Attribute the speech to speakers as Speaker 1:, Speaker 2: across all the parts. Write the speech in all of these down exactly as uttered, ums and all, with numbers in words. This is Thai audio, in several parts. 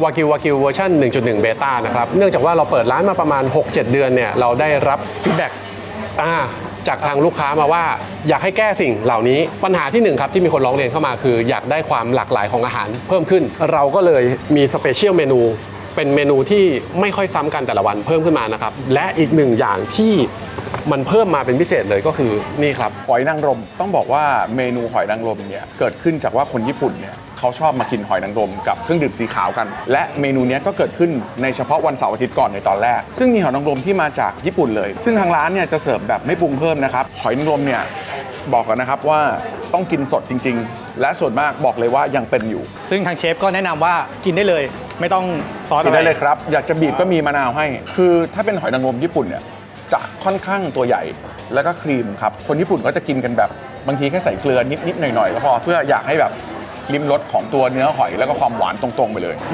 Speaker 1: วากิววากิวเวอร์ชัน หนึ่งจุดหนึ่ง เบต้านะครับเนื่องจากว่าเราเปิดร้านมาประมาณ หกเจ็ด เดือนเนี่ยเราได้รับฟีดแบ็กจากทางลูกค้ามาว่าอยากให้แก้สิ่งเหล่านี้ปัญหาที่หนึ่งครับที่มีคนร้องเรียนเข้ามาคืออยากได้ความหลากหลายของอาหารเพิ่มขึ้นเราก็เลยมีสเปเชียลเมนูเป็นเมนูที่ไม่ค่อยซ้ำกันแต่ละวันเพิ่มขึ้นมานะครับและอีกหนึ่งอย่างที่มันเพิ่มมาเป็นพิเศษเลยก็คือนี่ครับ
Speaker 2: หอยนางรมต้องบอกว่าเมนูหอยนางรมเนี่ยเกิดขึ้นจากว่าคนญี่ปุ่นเนี่ยเขาชอบมากินหอยนางรมกับเครื่องดื่มสีขาวกันและเมนูนี้ก็เกิดขึ้นในเฉพาะวันเสาร์อาทิตย์ก่อนในตอนแรกซึ่งมีหอยนางรมที่มาจากญี่ปุ่นเลยซึ่งทางร้านเนี่ยจะเสิร์ฟแบบไม่ปรุงเพิ่มนะครับหอยนางรมเนี่ยบอกกันนะครับว่าต้องกินสดจริงๆและส่วนมากบอกเลยว่ายังเป็นอยู่
Speaker 3: ซึ่งทางเชฟก็แนะนำว่ากินได้เลยไม่ต้องซอสอะไร
Speaker 2: กินได้เลยครับอยากจะบีบก็มีมะนาวให้คือถ้าเป็นหอยนางรมญี่ปุ่นเนี่ยจะค่อนข้างตัวใหญ่แล้วก็ครีมครับคนญี่ปุ่นก็จะกินกันแบบบางทีแค่ใส่เกลือนิดๆหน่อยๆก็พอเพื่ออยากให้แบบลิ้มรสของตัวเนื้อหอยแล้วก็ความหวานตรงๆไปเลย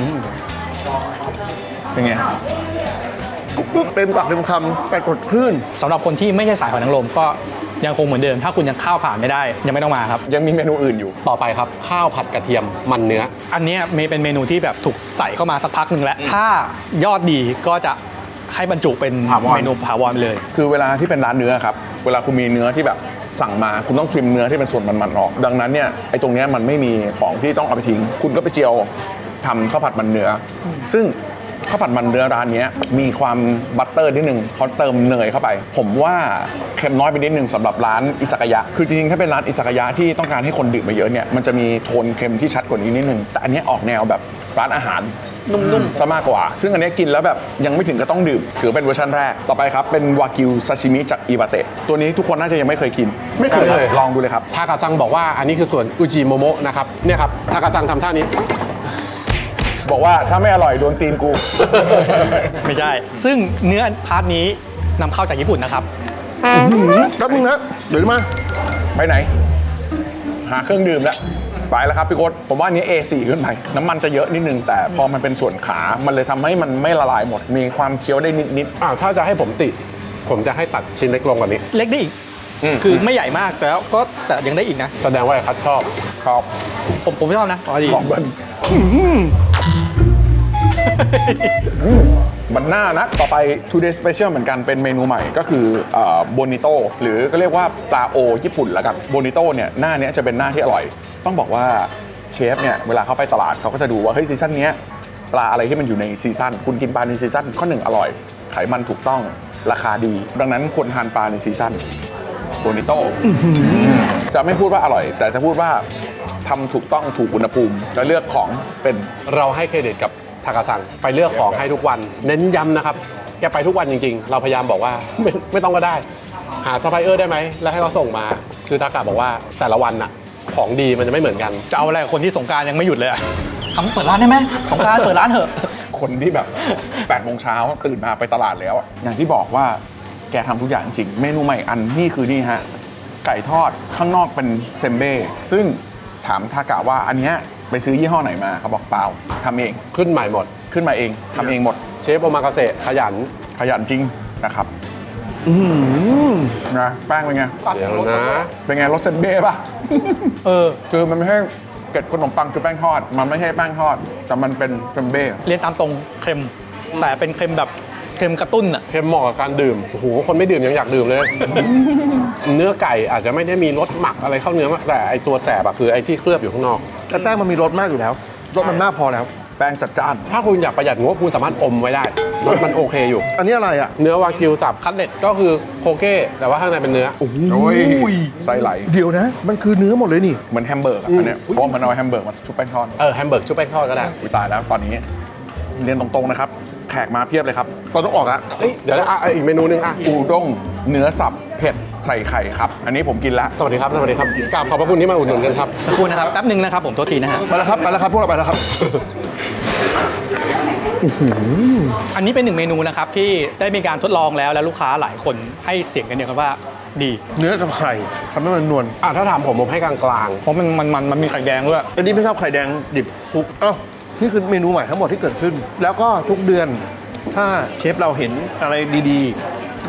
Speaker 2: เป็นไง
Speaker 4: ปุ๊บเต็มปากเต็มคำแต่กดคลื่น
Speaker 3: สำหรับคนที่ไม่ใช่สายหอยนางรมก็ยังคงเหมือนเดิมถ้าคุณยังข้าวผ่านไม่ได้ยังไม่ต้องมาครับ
Speaker 2: ยังมีเมนูอื่นอยู่
Speaker 1: ต่อไปครับข้าวผัดกระเทียมมันเนื้อ
Speaker 3: อันนี้เป็นเมนูที่แบบถูกใส่เข้ามาสักพักหนึ่งแล้วถ้ายอดดีก็จะให้บรรจุเป็นเมนูถาวรเลย
Speaker 2: คือเวลาที่เป็นร้านเนื้อครับเวลาคุณมีเนื้อที่แบบสั่งมาคุณต้องทริมเนื้อที่เป็นส่วนมันๆออกดังนั้นเนี่ยไอ้ตรงนี้มันไม่มีของที่ต้องเอาไปทิ้งคุณก็ไปเจียวทำข้าวผัดมันเนื้อซึ่งข้าวผัดมันเนื้อร้านนี้มีความบัตเตอร์นิดนึงเขาเติมเนยเข้าไปผมว่าเค็มน้อยไปนิดนึงสำหรับร้านอิซากายะคือจริงๆถ้าเป็นร้านอิซากายะที่ต้องการให้คนดื่มมาเยอะเนี่ยมันจะมีโทนเค็มที่ชัดกว่านี้นิดนึงแต่อันนี้ออกแนวแบบร้านอาหารนุ่มๆซะมากกว่าซึ่งอันนี้กินแล้วแบบยังไม่ถึงก็ต้องดื่มถือเป็นเวอร์ชันแรกต่อไปครับเป็นวากิวซาชิมิจากอิวาเตะตัวนี้ทุกคนน่าจะยังไม่เคยกิน
Speaker 4: ไม่เคยเลย
Speaker 2: ลองดูเลยครับ
Speaker 1: ทากาซังบอกว่าอันนี้คือส่วนอุจิโมโมะนะครับเนี่ยครับทากาซังทำท่านี้
Speaker 2: บอกว่าถ้าไม่อร่อยโดนตีนกู
Speaker 3: ไม่ใช่ซึ่งเนื้อพาร์ทนี้นำเข้าจากญี่ปุ่นนะครับ
Speaker 4: แป๊บนึงนะเดี๋ยวมา
Speaker 2: ไปไหนหาเครื่องดื่มแล้วไปแล้วครับพี่โค้ดผมว่าอันนี้ เอ โฟร์ ขึ้นไปน้ำมันจะเยอะนิดนึงแต่พอมันเป็นส่วนขามันเลยทำให้มันไม่ละลายหมดมีความเคี้ยวได้นิด
Speaker 1: ๆอ้าวถ้าจะให้ผมติผมจะให้ตัดชิ้นเล็กลงกว่านี้
Speaker 3: เล็กได้อีกคือไม่ใหญ่มากแต่ก็แต่ยังได้อีกนะ
Speaker 1: แสดงว่าคัดชอบ
Speaker 2: ชอบ
Speaker 3: ผมผมไม่ชอบนะอ๋อดี
Speaker 2: บอกเบิ้ลมันน่านะต่อไป Today Special เหมือนกันเป็นเมนูใหม่ก็คือโบนิโต้หรือก็เรียกว่าปลาโอญี่ปุ่นละกันโบนิโต้เนี่ยหน้านี้จะเป็นหน้าที่อร่อยต้องบอกว่าเชฟเนี่ยเวลาเขาไปตลาดเขาก็จะดูว่าเฮ้ยซีซั่นนี้ปลาอะไรที่มันอยู่ในซีซั่นคุณกินปลาในซีซั่นข้อหนึ่งอร่อยไขมันถูกต้องราคาดีดังนั้นควรทานปลาในซีซั่นโบนิโต้จะไม่พูดว่าอร่อยแต่จะพูดว่าทำถูกต้องถูกอุณหภูมิและเลือกของเป็น
Speaker 1: เราให้เครดิตกับทากาซังไปเลือกของให้ทุกวันเน้นย้ำนะครับแกไปทุกวันจริงๆเราพยายามบอกว่าไม่ไม่ต้องก็ได้หาซัพพลายเออร์ได้ไหมแล้วให้เขาส่งมาคือทากาบอกว่าแต่ละวันน่ะของดีมันจะไม่เหมือนกัน
Speaker 3: จะเอาอะไรคนที่สงกรานต์ยังไม่หยุดเลยอะทำเปิดร้านได้ไหมสงกรานต์เปิดร้านเถอะ
Speaker 2: คนที่แบบแปดโมงเช้าตื่นมาไปตลาดแล้วอย่างที่บอกว่าแกทำทุกอย่างจริงเมนูใหม่อันนี่คือนี่ฮะไก่ทอดข้างนอกเป็นเซมเบ้ซึ่งถามทากะว่าอันเนี้ยไปซื้อยี่ห้อไหนมาเขาบอกเปล่าทำเอง
Speaker 1: ขึ้นใหม่หมด
Speaker 2: ขึ้นมาเองทำเองหมด
Speaker 1: เชฟโอมากาเสะขยัน
Speaker 2: ขยันจริงนะครับนะแป้งเป็นไง
Speaker 1: เดี๋ยวนะ
Speaker 2: เป็นไงรสเซนเบ้ป่ะเออคือมันไม่ใช่เกล็ดขนมปังคือแป้งทอดมันไม่ใช่แป้งทอดแต่มันเป็นเซนเบ้
Speaker 3: เรียนตามตรงเค็มแต่เป็นเค็มแบบเค็มกระตุ้นอะ
Speaker 1: เค็มเหมาะกับการดื่มโอ้โหคนไม่ดื่มยังอยากดื่มเลย เนื้อไก่อาจจะไม่ได้มีรสหมักอะไรเข้าเนื้อแต่ไอตัวแสบอะคือไอที่เคลือบอยู่ข้างนอก
Speaker 4: แต่แป้งมันมีรสมากอยู่แล้วรสมันมากพอแล้ว
Speaker 2: แป้งจัดจ้าน
Speaker 1: ถ้าคุณอยากประหยัดงบคุณสามารถอมไว้ได้รสมันโอเคอยู่
Speaker 4: อันนี้อะไรอ่ะ
Speaker 1: เนื้อวากิวสับคัตเล็ตก็คือโคเก้แต่ว่าข้างในเป็นเนื้อ
Speaker 4: โอ้โห
Speaker 2: ไส้ไหล
Speaker 4: เดี๋ยวนะมันคือเนื้อหมดเลยนี่
Speaker 2: เหมือนแฮมเบอร์กอันนี้เพราะมันเอาแฮมเบอร์กมาชุบแป้งทอด
Speaker 1: เออแฮมเบอร์กชุบแป้งทอดก็ได้
Speaker 2: ตายแล้วตอนนี้เรียนตรงๆนะครับแขกมาเพียบเลยครับ
Speaker 4: เราต้องออกอะ
Speaker 1: เดี๋ยวนะอีกเมนูนึงอ่ะ
Speaker 2: อูด้งเนื้อสับเผ็ดใส่ไข่ครับอันนี้ผมกินแล้ว
Speaker 1: สวัสดีครับสวัสดีครับกราบขอบพระคุณที่มาอุดหนุนกันครับ
Speaker 3: ขอบคุณนะครับแป๊บนึงนะครับผมโทษทีนะฮะ
Speaker 4: ไปแล้วครับไปแล้วครับพวกเราไปแล้วครับ
Speaker 3: อันนี้เป็นหนึ่งเมนูนะครับที่ได้มีการทดลองแล้วและลูกค้าหลายคนให้เสียงกันเดียวกันว่าดี
Speaker 4: เนื้อกับไข่ทำให้มันนวล
Speaker 1: อ่ะถ้าถามผมผมให้กลาง
Speaker 3: ๆเพราะมันมันมันมันมีไข่แดงด้วย
Speaker 4: อันนี้ไม่ชอบไข่แดงดิบคลุกเอ้านี่คือเมนูใหม่ทั้งหมดที่เกิดขึ้นแล้วก็ทุกเดือนถ้าเชฟเราเห็นอะไรดีๆ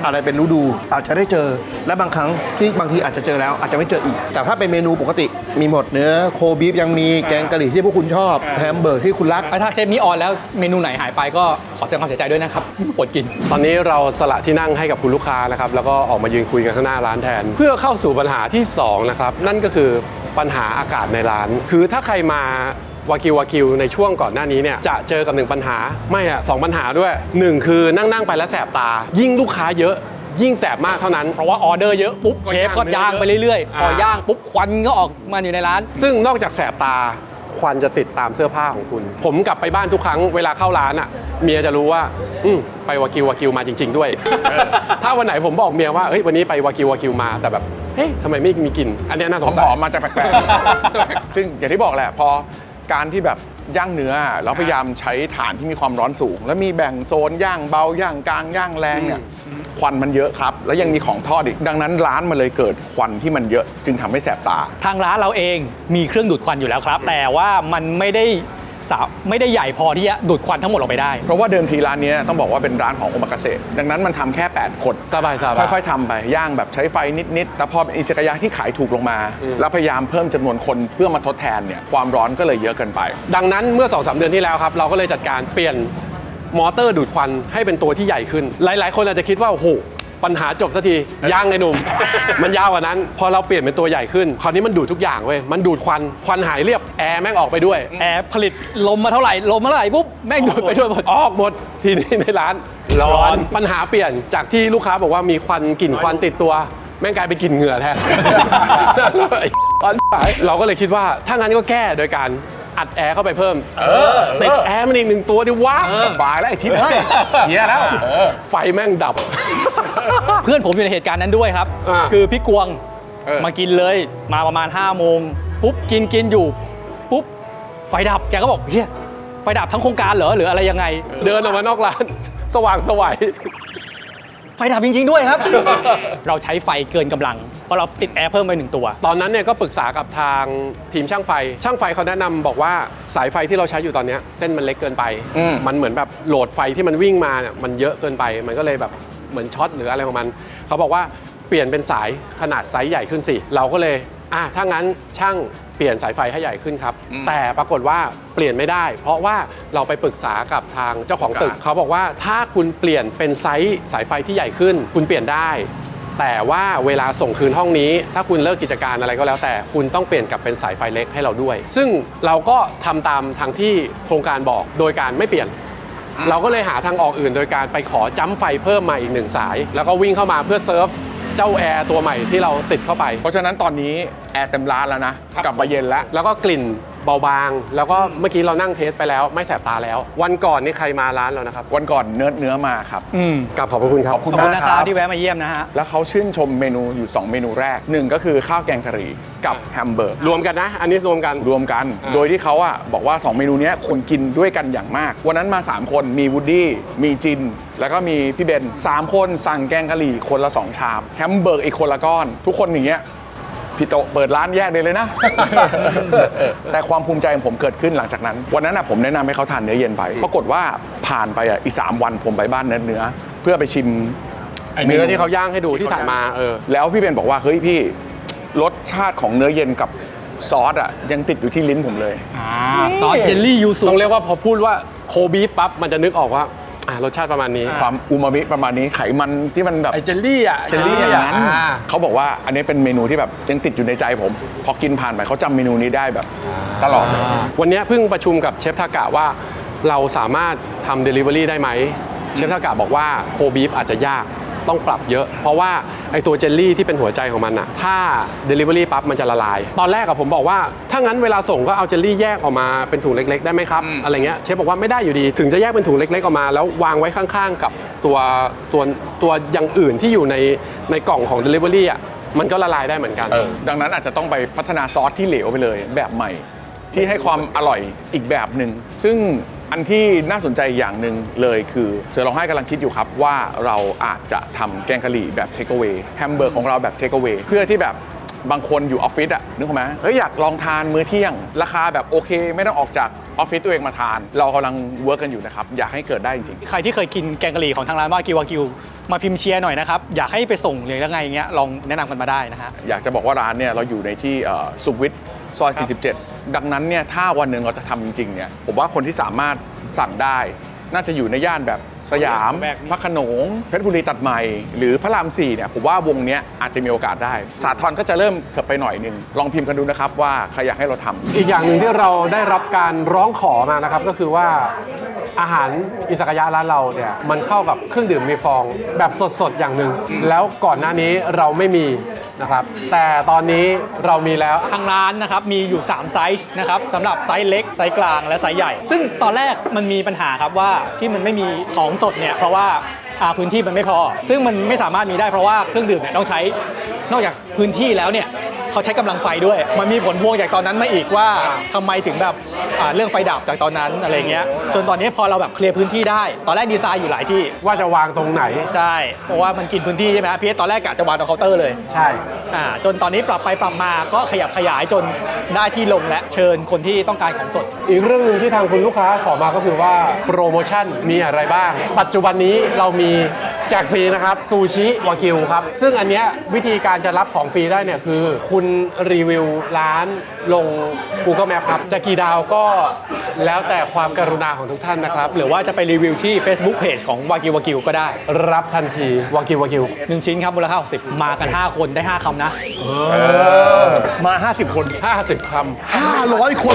Speaker 4: อะไรเป็นฤดูอาจจะได้เจอและบางครั้งที่บางทีอาจจะเจอแล้วอาจจะไม่เจออีก แต่ถ้าเป็นเมนูปกติมีหมดเนื้อโคบีฟยังมีแกงกะหรี่ที่พวกคุณชอบแฮมเบอร์กที่คุณรัก
Speaker 3: ถ้าเทปนี้ออนแล้วเมนูไหนหายไปก็ขอแสดงความเสียใจด้วยนะครับอดกิน
Speaker 1: ตอนนี้เราสละที่นั่งให้กับคุณลูกค้านะครับแล้วก็ออกมายืนคุยกันข้างหน้าร้านแทน เพื่อเข้าสู่ปัญหาที่สองนะครับนั่นก็คือปัญหาอากาศในร้าน คือถ้าใครมาวากิววากิวในช่วงก่อนหน้านี้เนี่ยจะเจอกับหนึ่งปัญหาไม่อะสองปัญหาด้วยหนึ่งคือนั่งนั่งๆไปแล้วแสบตา ยิ่งลูกค้าเยอะยิ่งแสบมากเท่านั้น
Speaker 3: เพราะว่าออเดอร์เยอะปุ๊บเชฟก็ย่างไปเรื่อยๆ พอย่างปุ๊บควันก็ออกมาอยู่ในร้าน
Speaker 1: ซึ่งนอกจากแสบตาควันจะติดตามเสื้อผ้าของคุณ ผมกลับไปบ้านทุกครั้งเวลาเข้าร้านอ่ะเมียจะรู้ว่าอืมไปวากิววากิวมาจริง ๆ ด้วย ถ้าวันไหนผมบอกเมียว่าเฮ้ยวันนี้ไปวากิววากิวมาแต่แบบเฮ้ยทำไมไม่มีกลิ่นอันเนี้ยน่าสง
Speaker 2: ห
Speaker 1: สั
Speaker 2: อย มๆมาจากแปลกๆ ซึ่งอย่างที่บอกแหละพอการที่แบบย่างเนื้อแล้วพยายามใช้ฐานที่มีความร้อนสูง แล้วมีแบ่งโซนย่างเบาย่างกลางย่างแรงเนี่ยควันมันเยอะครับ แล้วยังมีของทอดอีกดังนั้นร้านมันเลยเกิดควันที่มันเยอะจึงทำให้แสบตา
Speaker 3: ทางร้านเราเองมีเครื่องดูดควันอยู่แล้วครับ แต่ว่ามันไม่ได้สาไม่ได้ใหญ่พอที่จะดูดควันทั้งหมดออกไปได้
Speaker 2: เพราะว่าเดิมทีร้านเนี้ยต้องบอกว่าเป็นร้านของโอมากาเสะดังนั้นมันทำแค่แปดคน
Speaker 1: สบายๆ
Speaker 2: ค่อยๆทำไปย่างแบบใช้ไฟนิดๆแต่พอเป็นอิซากายะที่ขายถูกลงมา แล้วพยายามเพิ่มจำนวนคนเพื่อมาทดแทนเนี่ยความร้อนก็เลยเยอะเกินไป
Speaker 1: ดังนั้นเมื่อ สองสาม เดือนที่แล้วครับ เราก็เลยจัดการเปลี่ยนมอเตอร์ดูดควันให้เป็นตัวที่ใหญ่ขึ้น หลาย ๆ คนอาจจะคิดว่าโอ้โหปัญหาจบสักทีย่างไอ้หนุ่ม มันยาวกว่านั้น พอเราเปลี่ยนเป็นตัวใหญ่ขึ้นคราวนี้มันดูดทุกอย่างเว้ยมันดูดควันควันหายเรียบแอร์แม่งออกไปด้วย
Speaker 3: แอร์ผลิตลมมาเท่าไหร่ลมมาเท่าไหร่ปุ๊บแม่งดูดไปด้วยหมด
Speaker 1: ออกหมดทีนี้ในร้านร้อนปัญหาเปลี่ยนจากที่ลูกค้าบอกว่ามีควันกลิ่นควันติดตัว แม่งกลายเป็นกลิ่นเหงื่อแทน ตอนสายเราก็เลยคิดว่าถ้างั้นก็แก้โดยการอัดแอร์เข้าไปเพิ่มติดแอร์มันอีกหนึ่งตัวดิวะ
Speaker 2: สบายแล้วไอ้ทิพย์เฮ้ยเฮียแล้ว
Speaker 1: ไฟแม่งดับ
Speaker 3: เพื่อนผมอยู่ในเหตุการณ์นั้นด้วยครับ
Speaker 1: อ่า
Speaker 3: คือพี่กวง
Speaker 2: เออ
Speaker 3: มากินเลยมาประมาณห้าโมงปุ๊บกินกินอยู่ปุ๊บไฟดับแกก็บอกเฮียไฟดับทั้งโครงการเหรอหรืออะไรยังไง
Speaker 1: เดินออกมานอกร้าน สว่างสวัย
Speaker 3: ไฟดับจริง ๆ ด้วยครับ เราใช้ไฟเกินกำลัง เพราะเราติดแอร์เพิ่มไปหนึ่งตัว
Speaker 1: ตอนนั้นเนี่ยก็ปรึกษากับทางทีมช่างไฟ ช่างไฟเขาแนะนำบอกว่าสายไฟที่เราใช้อยู่ตอนเนี้ยเส้นมันเล็กเกินไป
Speaker 2: อืม
Speaker 1: มันเหมือนแบบโหลดไฟที่มันวิ่งมาเนี่ยมันเยอะเกินไป มันก็เลยแบบเหมือนช็อตหรืออะไรของมัน เขาบอกว่าเปลี่ยนเป็นสายขนาดไซส์ใหญ่ขึ้นสิ เราก็เลยอ่ะถ้างั้นช่างเปลี่ยนสายไฟให้ใหญ่ขึ้นครับ แต่ปรากฏว่าเปลี่ยนไม่ได้ เพราะว่าเราไปปรึกษากับทางเจ้าของตึก เขาบอกว่าถ้าคุณเปลี่ยนเป็นไซส์สายไฟที่ใหญ่ขึ้น คุณเปลี่ยนได้ แต่ว่าเวลาส่งคืนห้องนี้ ถ้าคุณเลิกกิจการอะไรก็แล้วแต่คุณต้องเปลี่ยนกลับเป็นสายไฟเล็กให้เราด้วย ซึ่งเราก็ทำตามทางที่โครงการบอกโดยการไม่เปลี่ยน เราก็เลยหาทางออกอื่นโดยการไปขอจัมป์ไฟเพิ่มมาอีกหนึ่งสาย แล้วก็วิ่งเข้ามาเพื่อเซิร์ฟเจ้าแอร์ตัวใหม่ที่เราติดเข้าไป
Speaker 2: เพราะฉะนั้นตอนนี้แอร์เต็มร้านแล้วนะกลับมาเย็นแล้ว
Speaker 1: แล้วก็กลิ่นเบาบาง แล้วก็เมื่อกี้เรานั่งเทสไปแล้วไม่แสบตาแล้ว วันก่อนนี่ใครมาร้านเรานะครับ
Speaker 2: วันก่อนเนื้อเนื้อมาครับ
Speaker 3: อืม
Speaker 1: กลับขอบพระคุณครับ
Speaker 2: ขอบคุณ
Speaker 3: ขอบคุณ
Speaker 2: มาก
Speaker 3: นะ
Speaker 2: ค
Speaker 3: ค
Speaker 2: รั
Speaker 3: รับบ ที่แวะมาเยี่ยมนะฮะ
Speaker 2: แล้วเขาชื่นชมเมนูอยู่ สอง เมนูแรกหนึ่งก็คือข้าวแกงกะหรี่กับแฮมเบอร์ก
Speaker 1: รวมกันนะ อันนี้รวมกัน
Speaker 2: รวมกัน
Speaker 1: อ่า
Speaker 2: โดยที่เขาอะบอกว่า สอง เมนูเนี้ยคนกินด้วยกันอย่างมาก วันนั้นมา สาม คนมีวูดดี้มีจิน แล้วก็มีพี่เบนสามคนสั่งแกงกะหรี่คนละ สอง ชามแฮมเบอร์กอีกคนละก้อน ทุกคนอย่างเงี้ยพี่โตเปิดร้านแยกเลยเลยนะ แต่ความภูมิใจของผมเกิดขึ้นหลังจากนั้น วันนั้นอะผมแนะนำให้เขาทานเนื้อเย็นไป ปรากฏว่าผ่านไปอะอีกสามวันผมไปบ้านเนื้อเนื้อเพื่อไปชิม
Speaker 1: เนื้อที่เขาย่างให้ดูที่ถ่ายมาเออ
Speaker 2: แล้วพี่เบนบอกว่าเฮ้ยพี่รสชาติของเนื้อเย็นกับซอสอ่ะยังติดอยู่ที่ลิ้นผมเลย
Speaker 3: อ่าซอสเจลลี่ยูสุ
Speaker 1: ต้องเรียกว่าพอพูดว่าโคบีฟปั๊บมันจะนึกออกว่าอ่ารสชาติประมาณนี้
Speaker 2: ความอูมามิประมาณนี้ไขมันที่มันแบบ
Speaker 1: ไอเจลลี่อ่ะ
Speaker 2: เจลลี่อย่างนั้น
Speaker 1: อ่า
Speaker 2: เขาบอกว่าอันนี้เป็นเมนูที่แบบยังติดอยู่ในใจผม พอกินผ่านไปเขาจำเมนูนี้ได้แบบตลอดเลย
Speaker 1: วันนี้เพิ่งประชุมกับเชฟทากะว่าเราสามารถทำ Delivery ได้ไหมเชฟทากะบอกว่าโคบีฟอาจจะยากต้องปรับเยอะ เพราะว่าไอตัวเจลลี่ที่เป็นหัวใจของมันอะถ้า Delivery ปั๊บมันจะละลาย ตอนแรกกับผมบอกว่าถ้างั้นเวลาส่งก็เอาเจลลี่แยกออกมาเป็นถุงเล็กๆได้ไหมครับอะไรเงี้ยเชฟบอกว่าไม่ได้อยู่ดีถึงจะแยกเป็นถุงเล็กๆออกมา แล้ววางไว้ข้างๆกับตัวตัวตัวอย่างอื่นที่อยู่ในในกล่องของ Delivery อะมันก็ละลายได้เหมือนกัน
Speaker 2: ดังนั้นอาจจะต้องไปพัฒนาซอสที่เหลวไปเลยแบบใหม่ ที่ให้ความอร่อยอีกแบบหนึ่งซึ่งอันที่น่าสนใจอย่างหนึ่งเลยคือเสือร้องไห้กำลังคิดอยู่ครับว่าเราอาจจะทำแกงกะหรี่แบบเทคเอา a y แฮมเบอร์กของเราแบบเทคเอา a y เพื่อที่แบบบางคนอยู่ออฟฟิศอะนึกออกไหมเฮ้ยอยากลองทานมื้อเที่ยง ราคาแบบโอเค ไม่ต้องออกจากออฟฟิศตัวเองมาทาน เรากำลังเวิร์กกันอยู่นะครับอยากให้เกิดได้จริง
Speaker 3: ใครที่เคยกินแกงกะหรี่ของทางร้านวากิววากิวมาพิมพ์เชียร์หน่อยนะครับอยากให้ไปส่งหรือยังไงเงี้ยลองแนะนำกันมาได้นะฮะ
Speaker 2: อยากจะบอกว่าร้านเนี่ยเราอยู่ในที่เอ่อสุขวิทซอย สี่สิบเจ็ด ดังนั้นเนี่ยถ้าวันหนึ่งเราจะทำจริงๆเนี่ยผมว่าคนที่สามารถสั่งได้น่าจะอยู่ในย่านแบบสยามพระโขนงเพชรบุรีตัดใหม่หรือพระรามสี่เนี่ยผมว่าวงเนี้ยอาจจะมีโอกาสได้สาทรก็จะเริ่มเถิบไปหน่อยหนึงลองพิมพ์กันดูนะครับว่าใครอยากให้เราทำ
Speaker 1: อีกอย่างหนึ่งที่เราได้รับการร้องขอมานะครับก็คือว่าอาหารอิซากายะร้านเราเนี่ยมันเข้ากับเครื่องดื่มมีฟองแบบสดๆอย่างหนึ่งแล้วก่อนหน้านี้เราไม่มีนะครับแต่ตอนนี้เรามีแล้ว
Speaker 3: ทางร้านนะครับมีอยู่สามไซส์นะครับสำหรับไซส์เล็กไซส์กลางและไซส์ใหญ่ ซึ่งตอนแรกมันมีปัญหาครับว่าที่มันไม่มีของสดเนี่ยเพราะว่าอ่าพื้นที่มันไม่พอ ซึ่งมันไม่สามารถมีได้เพราะว่าเครื่องดื่มเนี่ยต้องใช้นอกจากพื้นที่แล้วเนี่ยเขาใช้กำลังไฟด้วย มันมีผลพวงจากตอนนั้นมาอีกว่าทำไมถึงแบบอ่าเรื่องไฟดับจากตอนนั้นอะไรเงี้ยจนตอนนี้พอเราแบบเคลียร์พื้นที่ได้ตอนแรกดีไซน์อยู่หลายที่
Speaker 1: ว่าจะวางตรงไหน
Speaker 3: ใช่เพราะว่ามันกินพื้นที่ใช่ไหมครับพี่ตอนแรกกะจะวางตรงเคาน์เตอร์เลย
Speaker 1: ใช่
Speaker 3: อ่าจนตอนนี้ปรับไปปรับมาก็ขยับขยายจนได้ที่ลงและเชิญคนที่ต้องการของสด
Speaker 1: อีกเรื่องหนึ่งที่ทางคุณลูกค้าขอมาก็คือว่าโปรโมชั่นมีอะไรบ้าง ปัจจุบันนี้เรามีแจกฟรีนะครับซูชิวากิวครับ ซึ่งอันเนี้ยวิธีการจะรับของฟรีได้เนี่ยคือ คุณรีวิวร้านลง Google Map ครับ จะกี่ดาวก็แล้วแต่ความกรุณาของทุกท่านนะครับ
Speaker 3: หรือว่าจะไปรีวิวที่ Facebook Page ของวากิววากิวก็ได้
Speaker 1: รับทันทีวากิววากิว
Speaker 3: หนึ่งชิ้นครับมูลค่าหกสิบมากัน ห้า คนได้ ห้า คำนะ
Speaker 4: มา ห้าสิบ คน
Speaker 1: ห้าสิบค
Speaker 4: ห้าร้อย คน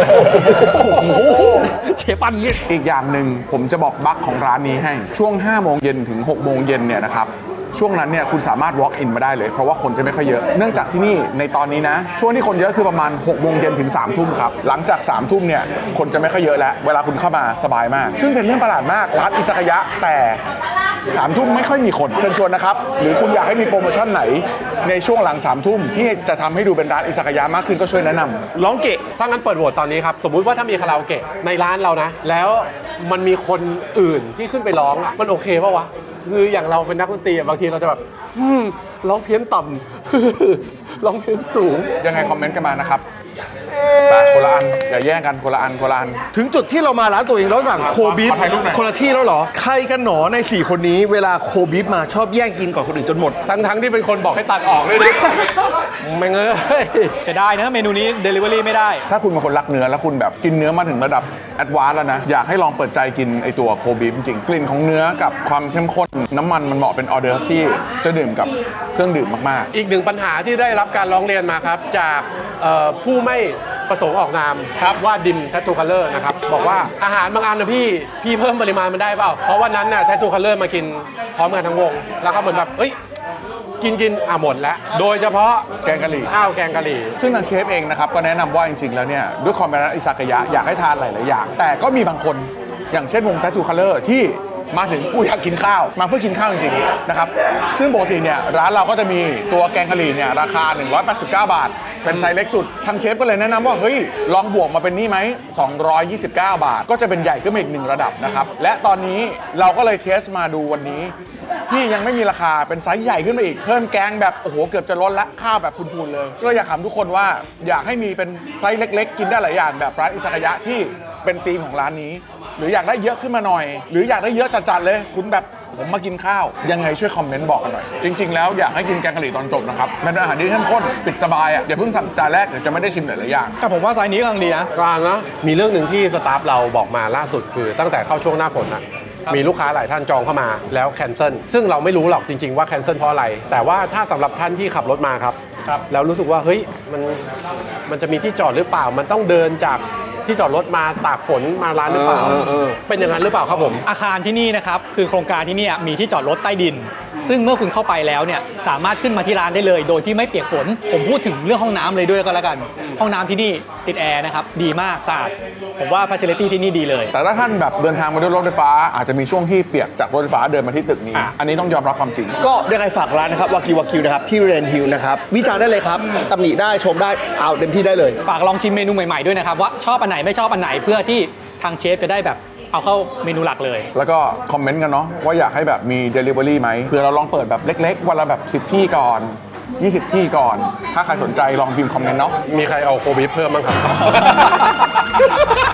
Speaker 3: เชฟปั้นงี้
Speaker 2: อีกอย่างหนึ่งผมจะบอกบั๊กของร้านนี้ให้ช่วงห้าโมงเย็นถึงหกโมงเย็นเนี่ยนะครับช่วงนั้นเนี่ยคุณสามารถ walk in มาได้เลยเพราะว่าคนจะไม่ค่อยเยอะเนื่องจากที่นี่ในตอนนี้นะช่วงที่คนเยอะคือประมาณหกโมงเย็นถึงสามทุ่มครับหลังจากสามทุ่มเนี่ยคนจะไม่ค่อยเยอะแล้วเวลาคุณเข้ามาสบายมาก ซึ่งเป็นเรื่องประหลาดมากร้านอิซากายะแต่สามทุ่มไม่ค่อยมีคนเชิญชวนนะครับหรือคุณอยากให้มีโปรโมชั่นไหนในช่วงหลังสามทุ่มที่จะทำให้ดูเป็นร้านอิซากายะมากขึ้นก็ช่วยแนะนำ
Speaker 1: ำร้องเกะถ้างั้นเปิดโหวตตอนนี้ครับ สมมุติว่าถ้ามีคาราโอเกะในร้านเรานะ แล้วมันมีคนอื่นที่ขึ้นไปร้องอะมันโอเคป่าวะ คืออย่างเราเป็นนักดนตรีอะบางทีเราจะแบบอืมร้องเพี้ยนต่ำ ร้องเพี้ยนสูง
Speaker 2: ยังไงคอมเมนต์กันมานะครับไปคนละอันอย่าแย่งกันคนละอันคนละอัน
Speaker 4: ถึงจุดที่เรามาร้านตัวเองแล้วสั่งโคบีฟ
Speaker 2: ขอถ่ายรูปหน่อย
Speaker 4: คนละที่แล้วเหรอ ใครกันหนอใน สี่ คนนี้เวลาโคบีฟมาชอบแย่งกินก่อนคนอื่นจนหมด
Speaker 1: ทั้งทั้งๆที่เป็นคนบอกให้ตัดออกด้วยนะ ไม่เงย
Speaker 3: จะได้นะเมนูนี้ Delivery ไม่ได้
Speaker 2: ถ้าคุณเป็นคนรักเนื้อแล้วคุณแบบกินเนื้อมาถึงระดับแอดวานซ์แล้วนะ อยากให้ลองเปิดใจกินไอตัวโคบีฟจริงๆกลิ่นของเนื้อกับความเข้มข้นน้ำมันมันเหมาะเป็นออเดอร์ฟที่จะดื่มกับเครื่องดื่มมากๆ
Speaker 1: อีกหนึ่งปัญหาที่ได้รับการร้องเรียนมาครับ จากเอ่อผู้ไม่ประสงค์ออกนามครับว่าดิมแททูคัลเลอร์นะครับ บอกว่าอาหารบางอันนะพี่ พี่เพิ่มปริมาณมันได้เปล่า เพราะวันนั้นน่ะแททูคัลเลอร์มากินพร้อมกันทั้งวง แล้วก็เหมือนแบบเอ้ย กินกินอ่ะหมดแล้ว โดยเฉพาะ
Speaker 2: แกงกะหรี่
Speaker 1: ข้าวแกงกะหรี่
Speaker 2: ซึ่งทางเชฟเองนะครับก็แนะนำว่าจริงๆแล้วเนี่ยด้วยความเป็นร้านอิซากายะอยากให้ทานหลายๆอย่าง แต่ก็มีบางคนอย่างเช่นวง Tattoo Color ที่มาถึงกูอยากกินข้าวมาเพื่อกินข้าวจริงๆนะครับซึ่งปกติเนี่ยร้านเราก็จะมีตัวแกงกะหรี่เนี่ยราคาหนึ่งร้อยแปดสิบเก้าบาทเป็นไซส์เล็กสุดทางเชฟก็เลยแนะนำว่าเฮ้ยลองบวกมาเป็นนี่ไหมสองร้อยยี่สิบเก้าบาทก็จะเป็นใหญ่ขึ้นมาอีกหนึ่งระดับนะครับและตอนนี้เราก็เลยเทสมาดูวันนี้ ที่ยังไม่มีราคาเป็นไซส์ใหญ่ขึ้นมาอีกเพิ่มแกงแบบโอ้โหเกือบจะล้นละข้าวแบบพูนๆเลยก็เลยอยากถามทุกคนว่าอยากให้มีเป็นไซส์เล็กๆ กินได้หลายอย่างแบบร้านอิซากายะที่เป็นธีมของร้านนี้ หรืออยากได้เยอะขึ้นมาหน่อย หรืออยากได้เยอะจัดๆเลย คุณแบบผมมากินข้าวยังไงช่วยคอมเมนต์บอกกันหน่อยจริงๆแล้วอยากให้กินแกงกะหรี่ตอนจบนะครับมันเป็นอาหารที่เข้มข้นปิดสบายอ่ะอย่าเพิ่งสั่งจานแรกเดี๋ยวจะไม่ได้ชิมหลายๆอย่าง
Speaker 3: แต่ผมว่าไซส์นี้กำลังดีนะ
Speaker 1: กลางนะมีเรื่องหนึ่งที่สตาฟเราบอกมาล่าสุดคือตั้งแต่เข้าช่วงหน้าฝนนะมีลูกค้าหลายท่านจองเข้ามาแล้วแคนเซิลซึ่งเราไม่รู้หรอกจริงๆว่าแคนเซิลเพราะอะไร แต่ว่าถ้าสำหรับท่านที่ขับรถมาครับแล้วรู้สึกว่าเฮ้ยมันมันจะมีที่จอดหรือเปล่า มันต้องเดินจากที่จอดรถมาตากฝนมาร้านหรือเปล่า
Speaker 4: เออเออเออ
Speaker 1: เป็นอย่างนั้นหรือเปล่าครับผม
Speaker 3: อาคารที่นี่นะครับคือโครงการที่เนี่ยมีที่จอดรถใต้ดิน ซึ่งเมื่อคุณเข้าไปแล้วเนี่ยสามารถขึ้นมาที่ร้านได้เลย โดยที่ไม่เปียกฝนผมพูดถึงเรื่องห้องน้ำเลยด้วยก็แล้วกัน ห้องน้ำที่นี่ติดแอร์นะครับดีมากสะอาดผมว่าฟ a ซิลิตี้ที่นี่ดีเลย
Speaker 2: แต่ถ้าท่านแบบเดินทางมาด้วยรถไฟฟ้าอาจจะมีช่วงที่เปียกจากรถไฟฟ้าเดินมาที่ตึกนี้ อันนี้ต้องยอมรับความจริง
Speaker 4: ก็ยังไงฝากร้านนะครับวากิววากิวนะครับที่เรนฮิลนะครับวิจารณ์ได้เลยครับตำหนิได้ชมได้เอาเต็มที่ได้เลย
Speaker 3: ฝากลองชิมเมนูใหม่ๆด้วยนะครับว่าชอบอันไหนไม่ชอบอันไหนเพื่อที่ทางเชฟจะได้แบบเอาเข้าเมนูหลักเลย
Speaker 2: แล้วก็คอมเมนต์กันเนาะว่าอยากให้แบบมี Delivery ไหมเผื่อเราลองเปิดแบบเล็กๆ วันละแบบสิบที่ก่อนยี่สิบที่ก่อน ถ้าใครสนใจลองพิมพ์คอมเมนต์เนาะ
Speaker 1: มีใครเอาโควิดเพิ่มบ้างครับ